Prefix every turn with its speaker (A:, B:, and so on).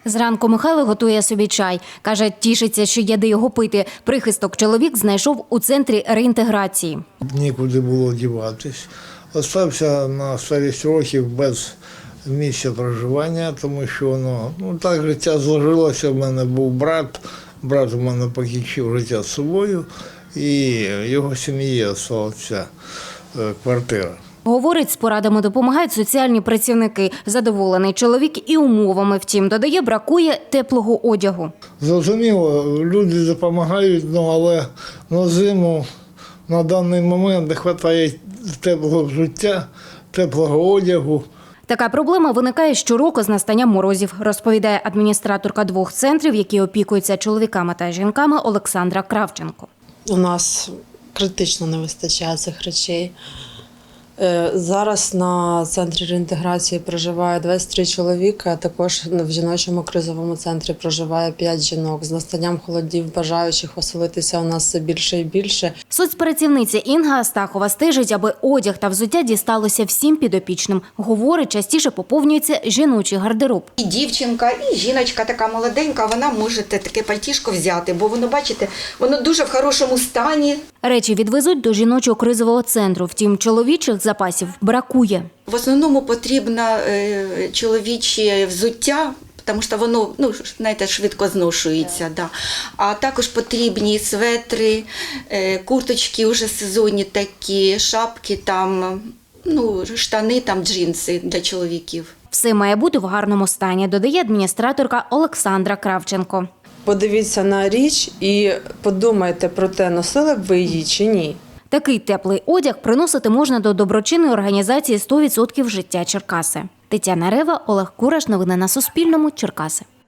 A: Зранку Михайло готує собі чай. Каже, тішиться, що є де його пити. Прихисток чоловік знайшов у центрі реінтеграції.
B: Нікуди було діватись. Остався на старість років без місця проживання, тому що воно, так життя зложилося. В мене був брат у мене покінчив життя з собою, і його сім'ї залишилася квартира.
A: Говорить, з порадами допомагають соціальні працівники. Задоволений чоловік і умовами. Втім, додає, бракує теплого одягу.
B: Зрозуміло, люди допомагають, але на зиму на даний момент не вистачає теплого взуття, теплого одягу.
A: Така проблема виникає щороку з настанням морозів, розповідає адміністраторка 2 центрів, які опікуються чоловіками та жінками, Олександра Кравченко.
C: У нас критично не вистачає цих речей. Зараз на центрі реінтеграції проживає 23 чоловіка, а також в жіночому кризовому центрі проживає 5 жінок. З настанням холодів бажаючих оселитися у нас все більше і більше.
A: Соцпрацівниця Інга Астахова стежить, аби одяг та взуття дісталося всім підопічним. Говорить, частіше поповнюється жіночий гардероб.
D: І дівчинка, і жіночка така молоденька, вона може таке пальтішко взяти, бо воно, бачите, воно дуже в хорошому стані.
A: Речі відвезуть до жіночого кризового центру. Втім, чоловічих запасів бракує.
D: В основному потрібно чоловіче взуття, тому що воно, знаєте, швидко зношується. Да. А також потрібні светри, курточки вже сезонні такі, шапки, штани, джинси для чоловіків.
A: Все має бути в гарному стані, додає адміністраторка Олександра Кравченко.
C: Подивіться на річ і подумайте про те, носили б ви її чи ні.
A: Такий теплий одяг приносити можна до доброчинної організації «100% життя Черкаси». Тетяна Рева, Олег Кураш. Новини на Суспільному. Черкаси.